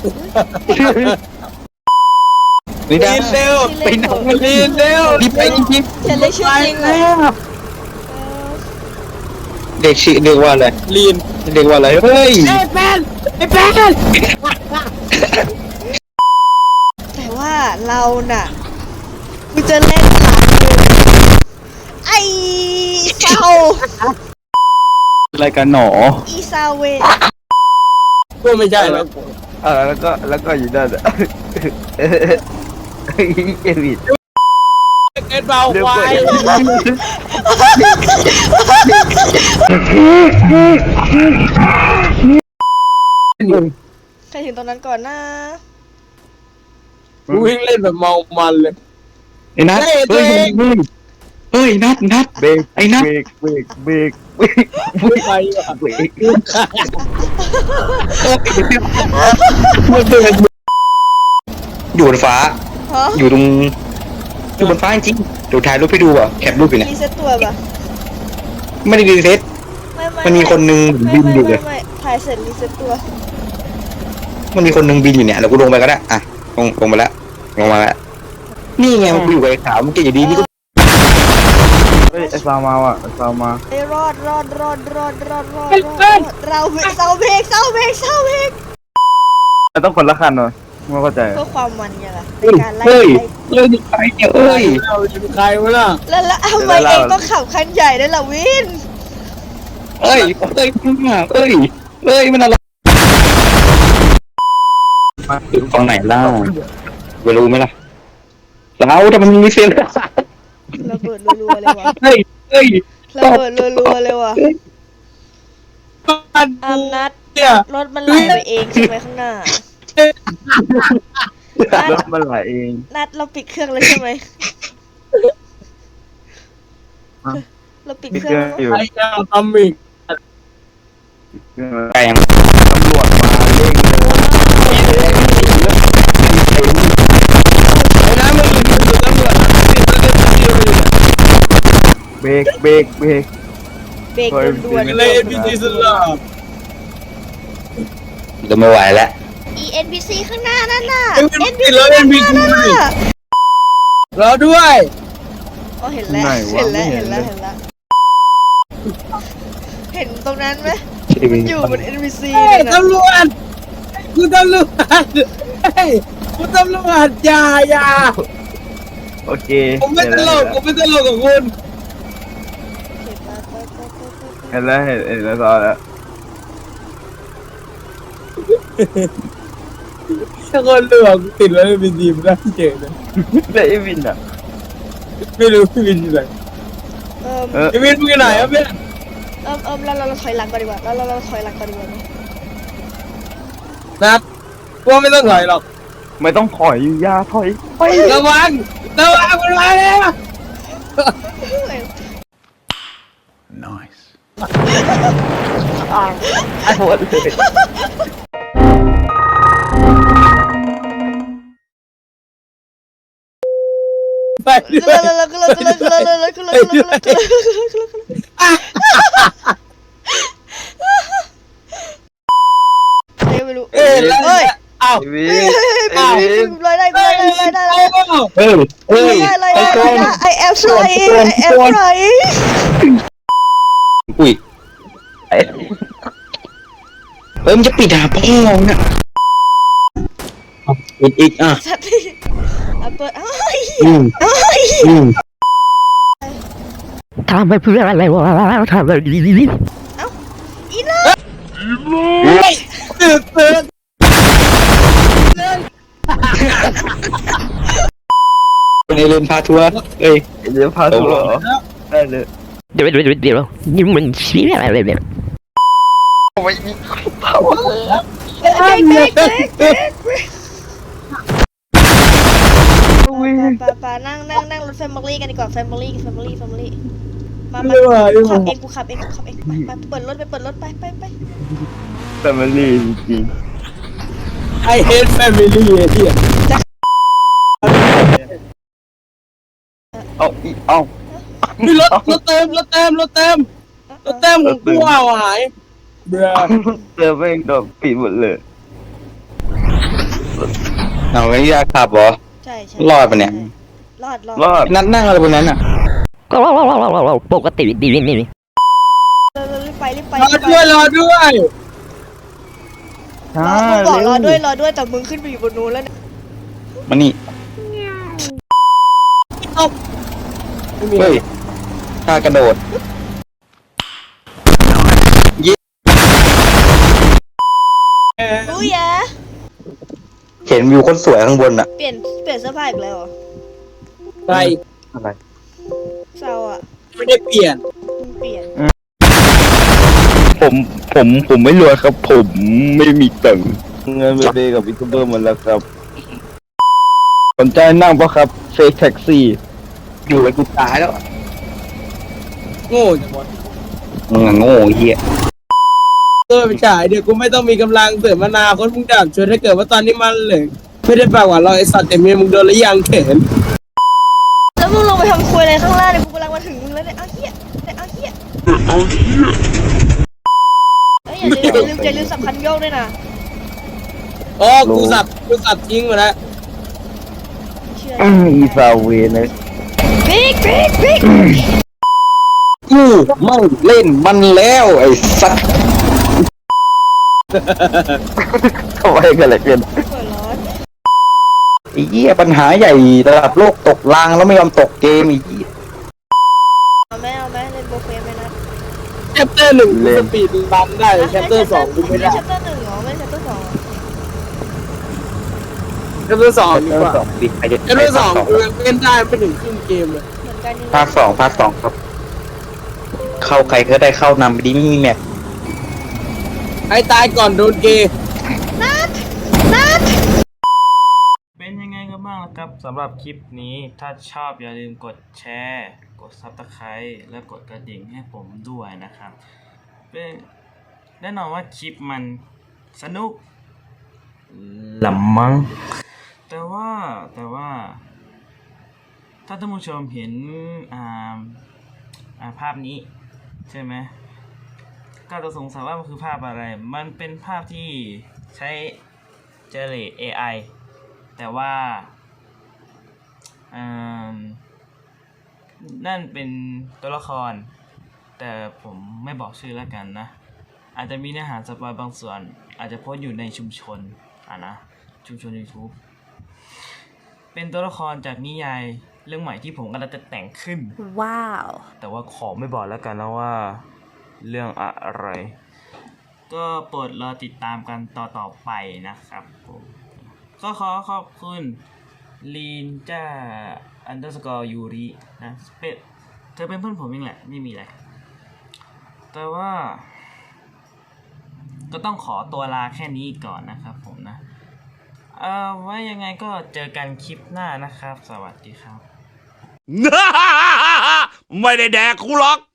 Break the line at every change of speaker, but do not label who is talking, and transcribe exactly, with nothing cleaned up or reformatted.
ลีนเร็วไปไหนลีนเร็วรีบไปจริงๆ
ฉันเลยชื่อจริงเลย
เด็กชื่อเรียกว่าอะไรลีนเรียกว่าอะไรเฮ้ยไอ้แป้นไอ้แป้น
แต่ว่าเราน่ะกูจะเล่นหลังไอ้เซา
อะไรกันหนอ
อีซาเว
ก็ไม่ใช่แล้ว
เออแล้วก็แล้วก็อยู่นั่นอ่ะเอวิด
เอ็ดเบาควาย
ใครถึงตรงนั้นก่อนนะ
วิ่งเล่นแบบเมามันเลยไอ้นัทเฮ้ยเฮ้ยนัทนัท
เบรก
ไอ้นัท
เบรกเบรกเบรกเบรก
ไม่ไป
เบรก
อยู่บนฟ้า
ฮะ
อยู่ตรงอยู่บนฟ้าจริงเดี๋ยวถ่ายรูปให้ดูอ่ะแคปรูปอยู่เนี่ย
รีเซ็ตตัวปะ
ไม่ได้รีเซ็ต
ไม่ไม่
มันมีคนนึงบินอยู่เลย
ไม่ไม่ถ่ายเสร็จรีเซ็ตตัว
มันมีคนนึงบินอยู่เนี่ยแล้วกูลงไปก็ได้อ่ะลงลงมาแล้วลงมาแล้วนี่ไงมันอยู่กับไอ้ขาวมันเก่งอยู่ดีนี่ก็
เฮ้ยไอ้ซาวมาว่ะไอ้ซาวมา
ไอ้รอดรอดรอดรอดรอดรอดรอดเราเซาเบรกเซาเบรกเซาเบรก
มันต้องคนละคันหน่อยไม่เข้าใจ
เพื่อความมันไงล่ะใน
เฮ้ย
การไล่
เฮ้ย
ไล่
เฮ้ยนี่ใครเนี่ยเอ้ย
เราเป็นใครวะล่ะ
แล้วแล้วทำไมเองต้องขับคันใหญ่ด้วยล่ะวิน
เอ้ยเอ้ยเอ้ยเอ้ยมันอะไรถึงฝั่งไหนเล่าไปรู้ไหมล่ะเราแต่มันมีเสียง
ระเบิดรัวๆเลยว่ะ
เฮ้ยเฮ้ย
ระเบิดรัวๆเลยว่ะ
บ้าน
อามนัด
เนี่ย
รถมันไหลไปเองใช่ไหมข้างหน้านัด
รถมันไหลเอง
นัดเราปิดเครื่องแล้วใช่ไหมเราปิด
มี
เค
เค
รื่
รื่
อ
อง ง
แล้ว
อยู่
ไอ้เจ้าทำอีก
แปลง
ตำรวจมาเร่งเลย
ไอ้น้ำมันอยู่ตำรวจ
เบรกเบรกเบรก
เบรกด่วนๆ
เลยพีซีสุดหล่อ
จะไม่ไหวแล้ว
อี เอ็น พี ซี ข้างหน้านั่นน่ะ
เอ็น
เอ็น
พี
พี
ซี
ซี
แล้วเอ็
ข้าน งห
พี
น้า
ซี
นั่นน่ะ
รอด้วย
อ๋อเห็นแล้วเห็นแล้วเห็นแล้วเห็นแล้วเห็นตรงนั้นไหมมันอยู่บน เอ็น พี ซี
เฮ้ย
นะ
ตำรวจคุณตำรวจเฮ้ยคุณตำรวจอย่าอย่า
โอเค
ผมไม่ตลกผมไม่ตลกกับคุณ
เห็นแล้วเห็นเห็นแล้วซอแล้ว
ถ้าคนเหลือกติดแล้วเป็นดีมได้เจ๋งนะ
แล้วไอ้วินอ่ะ
ไม่รู้พี่วินอยู่ไหน
เอิ่ม
เออ
พี่วินมึงอยู่ไหนครับพี่
เอิ่มเอิ่มเราเราเราถอยหลังก่อนดีกว่าเราเราเราถอยหลังก่อนดีกว่าไหม
นัดว่าไม่ต้องถอยหรอก
ไม่ต้องถอยอยาถอยไ
ระ
ป
วังระวังมันมาแล้ว
ไอ้หมดเลย
ไปด้ว
เรา
ย
เราเราเราเราเราเราเราเราเราเราไม่รู้
เอ้ยแล้ว
เฮ้ย
อ้าว
ไอ้วิน
เฮ้ย
ไอ้วิน
ลอยได้ลอยได้ลอยได้ลอยได้
เฮ้ยเฮ้ย
ลอยได้ลอยได้ I am flying I am flying
อุ้ยเอ้ยมันจะปิดหาพ่อเนี่ยปิดอีกอ่ะ
สัตว์อ่ะเปิดเอ้ย
อืม
เอ้ย
อืม
ทำไปเพื่ออะไรวะทำแบบนี้
อีน่า
ตื่นตื่น
เป็นไอเลนพาทัวร์เอ้ย
เดี๋ยวพาตัวเหรอได้เลย
เดี๋ยวเดี๋ยวเดี๋ยวนี่มันเชี่ยอะไรเนี่ย
เบรกเบรกเบรกเบรกเบรกป่าป่านั่งนั่งนั่งรถแฟมิลี่กันดีกว่าแฟมิลี่แฟมิลี่แฟมิลี่มามาขับเองกูขับเองกูขับเองไปไปเปิดรถไปเปิดรถไปไปไป
แต่มันรีจริง
ไอเฮดแฟมิลี่ไอ้เหี้ย
เอาอีเอา
มีรถรถเต็มรถเต็มรถเต็มรถเต็มของกูเอาหายเบื่อ
เจอแม่งโดนปิดหมดเลย
เอาไม่อยากขับเหรอ
ใช่ใช่
รอดปะเนี่ย
รอดรอด
รอด
นั่งนั่งอะไรบนนั้นอ่ะ
ก็ปกติดีนี่นี่
เออรีบไปรีบไป
รอด้วยรอด้วย
รอมึงบอกรอด้วยรอด้วยแต่มึงขึ้นไปอยู่บนนู้นแล้วเนี่ย
มานี่
ไม่มี
เฮ้ยท่ากระโดด
รู้ยะ
เห็นวิวคนสวยข้างบนอ่ะ
เปลี่ยนเปลี่ยนเสื้อผ้าอีกแล้วเหรอ
ไป
อะไร
เศร้าอ่ะ
ไม่ได้เปลี่ยน
มึงเปลี่ยน
ผมผมผมไม่รวยครับ ผมไม่มีตังค์เงินเบเบกับยูทูบเบอร์หมันแล้วครับ สนใจนั่งปะครับเฟกแท็กซี่
อยู่ไปกูตายแล้ว
โง่จังวะ
มึงอะโง่เหี้ย
เออไปฉายเดี๋ยวกูไม่ต้องมีกำลังเสริมมานาคนมึงดับชวนถ้าเกิดว่าตอนนี้มันเลยไม่ได้ปากหวานเราไอสัตว์แต่เมียมึงโดนระยางเข็น
แล้วมึงลงไปทำครัวอะไรข้างล่างเนี่ยกูกำลังมาถึงมึงแล้วเนี่ยเอาเหี้ยเนี่ยเอาเหี้ยเอาเหี้ยเอ้ยอย่าลืมอย่าลืมอย่าลืมสำคัญโยกด้วยนะ
อ๋อกูสับกูสับทิ้งหมดแล้ว
เชื่อ
อีซาเวนะ
บิ๊กบิ๊กบิ๊ก
กูไม่เล่นมันแล้วไอ้สัส
เข้าไปกันเลยเกิน
เปิดร้อน
ไอ้เหี้ยปัญหาใหญ่ระดับโลกตกรางแล้วไม่ยอมตกเกมไอ้เหี้ย
เอาไหมเอาไหมเล่นโบเฟไหมนะ
แชปเตอร์หนึ่งกูสปีดรันได้แชปเตอร์สองกูไม่ได้
แชปเตอร์หนึ่งเหรอไม่แชปเตอร์สองเหรอ
แชปเตอร์สองดีกว่า
สองบิดไปเด็ด
แชปเตอร์สองกูยังเล่นได้ไม่ถึงครึ่งเกมเลย
เหมือนกันนี่
ภาคสองภาคสองครับ เข้าใครก็ได้เข้านำไปดีไม่มีแมป
ไอ้ตายก่อนโดนเกย์
นัดนัด
เป็นยังไงกันบ้างล่ะครับสำหรับคลิปนี้ถ้าชอบอย่าลืมกดแชร์ กด ซับสไครบ์ และกดกระดิ่งให้ผมด้วยนะครับเป็นแน่นอนว่าคลิปมันสนุกลำมังแต่ว่าแต่ว่า ถ้าท่านผู้ชมเห็นอ่าอ่าภาพนี้ใช่ไหมก็จะสงสัยว่ามันคือภาพอะไร มันเป็นภาพที่ใช้เจเนเรต เอ ไอ แต่ว่านั่นเป็นตัวละครแต่ผมไม่บอกชื่อแล้วกันนะอาจจะมีเนื้อหาสปอยบางส่วนอาจจะโพสต์อยู่ในชุมชนอ่ะนะชุมชน YouTube เป็นตัวละครจากนิยายเรื่องใหม่ที่ผมกำลังจะแต่งขึ้น
ว้าว
แต่ว่าขอไม่บอกแล้วกันนะว่าเรื่องอะไร ก็โปรดรอติดตามกันต่อต่อไปนะครับผมก็ขอขอบคุณลีนจ้าอันเดอร์สกอร์ยูรินะเป็นเธอเป็นเพื่อนผมเองแหละไม่มีอะไรแต่ว่า ก็ต้องขอตัวลาแค่นี้ก่อนนะครับผมนะเอ่อไว้ยังไงก็เจอกันคลิปหน้านะครับ สวัสดีครับ
ไม่ได้แดกกูหรอก